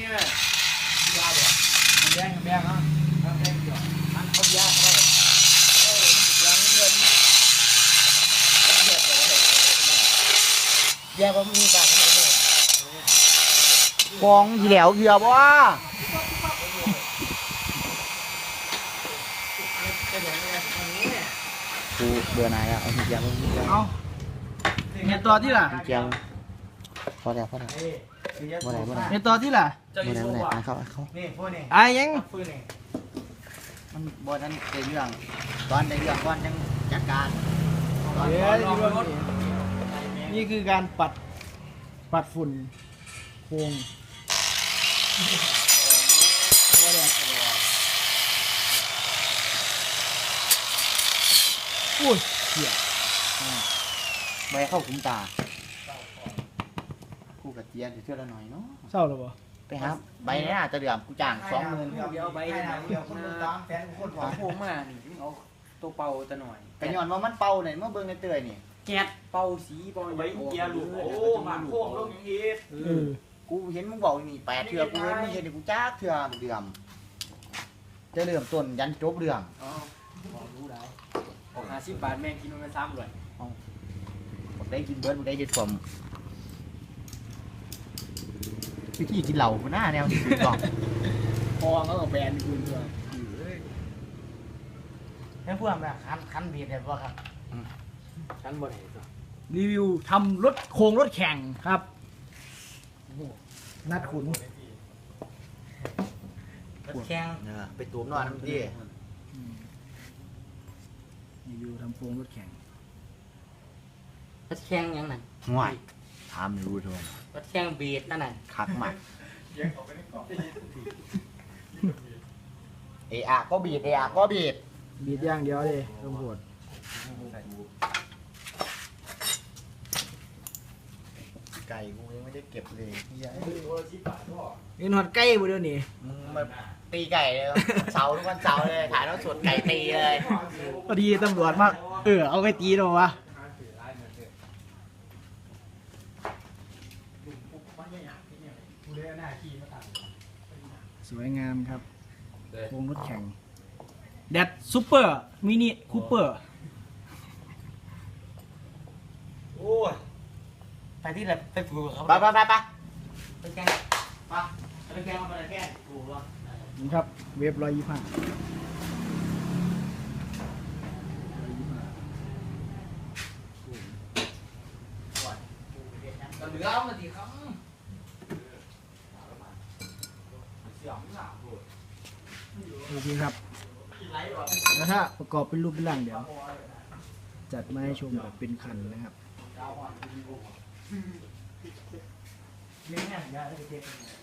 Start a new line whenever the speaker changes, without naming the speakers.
ยาบ่แดงเนาะแดงเดียวมันเขายาเขาแยกว่ามีปากขนาดนี้กองเหลียวเหี่ยวบ่กูเบื่อหน่ายแล้วเอาเหี่ยวเอาเนี่ยต่อที่ล่ะเหี่ยวพอแล้วบ่ได้เนี่ยต่อที่ล่ะบ่ได้เขาไอ้ยังมันบ่นั้นในเรื่องตอนในเรื่องก่อนยังจัดการนี่คือการปัดฝุ่นโครงอุ้ยเหี้ยใบเข้าขุมตากูกับเจี๊ยบจะเชื่อละหน่อยเนาะเศร้าหรือเปล่าไปครับใบนี้อาจจะเดือดกูจ่าง20,000
เดี๋ยวใบเดียวคนตามแฟนคนของผมมานี่เอาตัวเป่าตะหน่อย
แต่ย้อนว่ามันเป่าเนี่ยเมื่อเบิ่งในเตยนี่
แก๊สเป่าสีเป่าใบเกียร์ลูกโอ้มาโค้งลงอย่างนี้
กูเห็นมึงบอกนี่8เทื่อกูเห็นมึงเห็นกูจ้าเทื่อเดือมจะเริ่มต้นยันจบเรื่อง
อ๋อรู้ได้ออก50 บาทแม่งกินมัน3เลย
ได้กินเบิร์ดได้กินสมวิธีกินเหล่าหน้าแนวนี้กล่อง
พอเขาแบนคุณด้วย
ให้พวกแบบคันบีดเลยป่ะครับ
คันบ่ไหน
รีวิวทำรถโครงรถแข่งครับนัดขุน
รถแข่งไปตูมนอนน้ำดี
รีวิวทำโครงรถแข่ง
รถแข่งยังไง
ง่ายทำรู้ทุก
รถแข่งบีดนั่นน่ะ
คักมากก็บีดก็บีด
อย่างเดียวเลยตำรวจ
ไก่กูยังไม่ได้เก็บเลย
นี่นอนใกล้บ่เดี๋ยวนี้
มึงมาตีไก่เลยเสาทุกวันเสาร์เลยถ่ายแล้วสดไก่ตีเลย
พอดีตำรวจมากเอาไปตีหรอวะสวยงามครับโครงรถแข่งแดดซูเปอร์มินิคูเปอร์
โอ้ยไปที่ไหนไปฝึกเขาไปแข่งไปแข่งมาแข่งถูกป่ะ
นี่ครับเว็บ125
เหลือมาดีครับ
โอเคครับแล้วถ้าประกอบเป็นรูปเป็นร่างเดี๋ยวจัดมาให้ชมแบบเป็นคันนะครับ